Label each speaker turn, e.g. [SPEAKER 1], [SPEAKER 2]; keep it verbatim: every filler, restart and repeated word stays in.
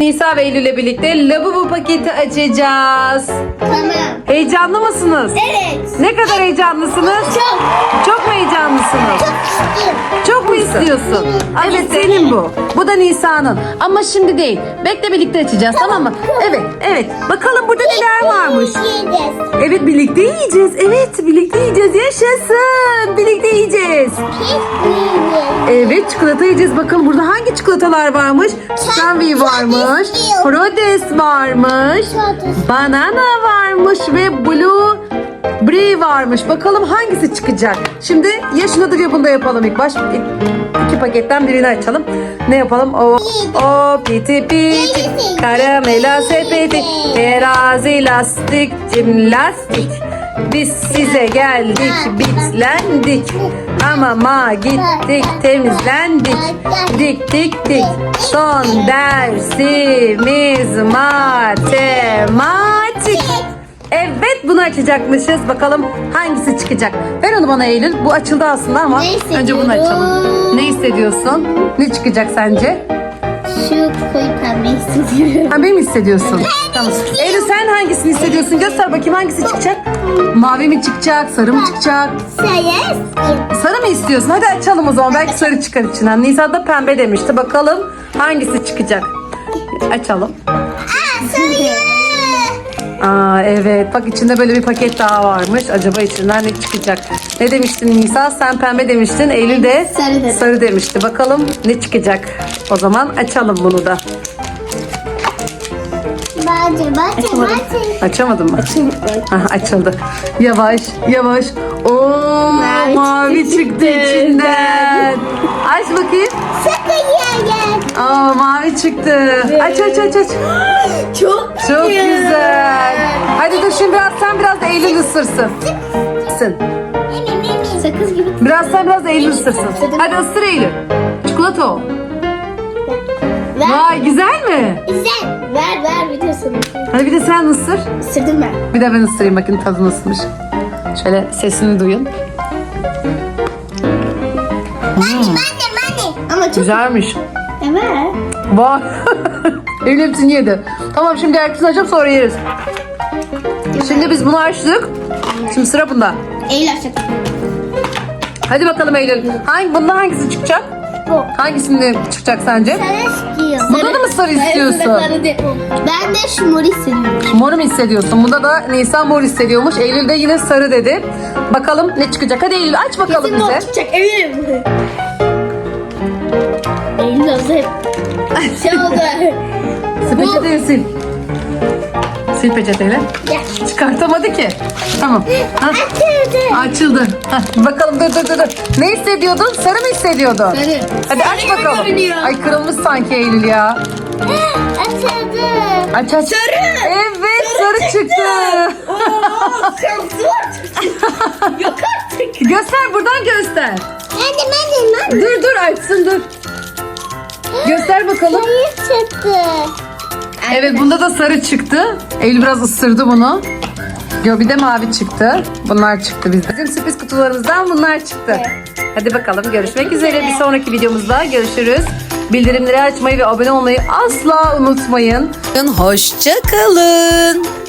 [SPEAKER 1] Nisa ve Eylül ile birlikte Labubu paketi açacağız.
[SPEAKER 2] Tamam.
[SPEAKER 1] Heyecanlı mısınız?
[SPEAKER 2] Evet.
[SPEAKER 1] Ne kadar heyecanlısınız?
[SPEAKER 2] Çok.
[SPEAKER 1] Çok mu heyecanlısınız?
[SPEAKER 2] Çok istiyorum.
[SPEAKER 1] Çok mu istiyorsun? Evet, senin bu. Bu da Nisa'nın. Ama şimdi değil. Bekle, birlikte açacağız, tamam mı? Evet, evet. Bakalım burada neler varmış.
[SPEAKER 2] Yiyeceğiz.
[SPEAKER 1] Evet, birlikte yiyeceğiz. Evet, birlikte yiyeceğiz. Yaşasın. Birlikte yiyeceğiz.
[SPEAKER 2] Pis yiyeceğiz.
[SPEAKER 1] Evet, çikolata yiyeceğiz. Bakalım burada hangi çikolatalar varmış? Strawberry varmış. Frodes varmış. Banana varmış ve Blue Brie varmış. Bakalım hangisi çıkacak? Şimdi ya şunu da ya bunu da yapalım ilk baş. İki paketten birini açalım. Ne yapalım? O, o piti piti, karamela sepeti, terazi lastik, cimnastik. Biz size geldik, bitlendik. Hamama gittik, temizlendik. Dik dik dik. Son dersimiz matematik. Evet, bunu açacakmışız. Bakalım hangisi çıkacak. Ver onu bana Eylül. Bu açıldı aslında ama
[SPEAKER 2] Ne
[SPEAKER 1] önce bunu
[SPEAKER 2] hissediyorum?
[SPEAKER 1] açalım. Ne hissediyorsun? Ne çıkacak sence?
[SPEAKER 2] Şu koyu pembe hissediyorum.
[SPEAKER 1] Pembe mi hissediyorsun? Tamam. Eylül, sen hangisini hissediyorsun? Göster bakayım, hangisi çıkacak? Mavi mi çıkacak? Sarı mı çıkacak?
[SPEAKER 2] Sayes.
[SPEAKER 1] Sarı mı istiyorsun? Hadi açalım o zaman. Belki sarı çıkar içinden. Nisa da pembe demişti. Bakalım hangisi çıkacak? Açalım.
[SPEAKER 2] Aa, sayı.
[SPEAKER 1] Aa, evet. Bak, içinde böyle bir paket daha varmış. Acaba içinden ne çıkacak? Ne demiştin Nisa? Sen pembe demiştin. Eylül de
[SPEAKER 2] Sarı dedi.
[SPEAKER 1] sarı demişti. Bakalım ne çıkacak? O zaman açalım bunu da.
[SPEAKER 2] Bence, bence, bence.
[SPEAKER 1] Açamadın mı? Aha, açıldı. Yavaş yavaş. Oo,
[SPEAKER 2] Mavi
[SPEAKER 1] mavi
[SPEAKER 2] çıktı
[SPEAKER 1] çıktı içinden. Aç bakayım.
[SPEAKER 2] Sakın yiyen.
[SPEAKER 1] Aa, mavi çıktı. Aç aç aç aç.
[SPEAKER 2] Çok
[SPEAKER 1] Çok güzel. Hadi dur, şimdi biraz sen biraz da Eylül ısırsın. Isın.
[SPEAKER 2] Sakız gibi.
[SPEAKER 1] Biraz sen biraz da Eylül ısırsın. Hadi ısır Eylül. Çikolata o.
[SPEAKER 2] Ver.
[SPEAKER 1] Vay, güzel mi?
[SPEAKER 2] Güzel. Ver ver videosunu.
[SPEAKER 1] Hadi bir de sen ısır.
[SPEAKER 2] Isırdım ben.
[SPEAKER 1] Bir de ben ısırayım, bakın tadı nasılmış. Şöyle sesini duyun.
[SPEAKER 2] Anne anne. Ama çok
[SPEAKER 1] Güzelmiş.
[SPEAKER 2] evet.
[SPEAKER 1] Vay. Eylül hepsini yedi. Tamam, şimdi herkesini açıp sonra yeriz. Şimdi biz bunu açtık. Şimdi sıra bunda.
[SPEAKER 2] Eylül açacak.
[SPEAKER 1] Hadi bakalım Eylül. Hangi, bundan hangisi çıkacak?
[SPEAKER 2] Bu.
[SPEAKER 1] Hangisinde çıkacak sence?
[SPEAKER 2] Sarı istiyor.
[SPEAKER 1] Bunda da mı sarı istiyorsun?
[SPEAKER 2] Ben de şu mor hissediyorum.
[SPEAKER 1] Mor mu hissediyorsun? Bunda da Nisa mor hissediyormuş. Eylül de yine sarı dedi. Bakalım ne çıkacak? Hadi Eylül aç bakalım
[SPEAKER 2] Kesin mor
[SPEAKER 1] bize.
[SPEAKER 2] çıkacak eminim. Eylül hazır. Şey oldu.
[SPEAKER 1] Sil peçeteyi sil. Sil peçeteyle.
[SPEAKER 2] Gel.
[SPEAKER 1] Çıkartamadı ki. Tamam. Ha,
[SPEAKER 2] Açıldı.
[SPEAKER 1] açıldı. Ha, bakalım, dur dur dur. dur. Ne hissediyordun? Sarı mı hissediyordun?
[SPEAKER 2] Sarı.
[SPEAKER 1] Hadi aç
[SPEAKER 2] Sarı gibi
[SPEAKER 1] bakalım.
[SPEAKER 2] görünüyor.
[SPEAKER 1] Ay, kırılmış sanki Eylül ya.
[SPEAKER 2] Açıldı.
[SPEAKER 1] Aç aç.
[SPEAKER 2] Sarı.
[SPEAKER 1] Evet, sarı, çıktı.
[SPEAKER 2] Oo, kırmızı var çıktı. Yok artık.
[SPEAKER 1] Göster, buradan göster.
[SPEAKER 2] Anne anne anne.
[SPEAKER 1] Dur dur, açsın, dur. Göster bakalım.
[SPEAKER 2] Sarı çıktı.
[SPEAKER 1] Evet, bunda da sarı çıktı. Eylül biraz ısırdı bunu. Yo, bir de mavi çıktı. Bunlar çıktı bizde. Bizim sürpriz kutularımızdan bunlar çıktı. Hadi bakalım, görüşmek üzere. Bir sonraki videomuzda görüşürüz. Bildirimleri açmayı ve abone olmayı asla unutmayın. Hoşça kalın.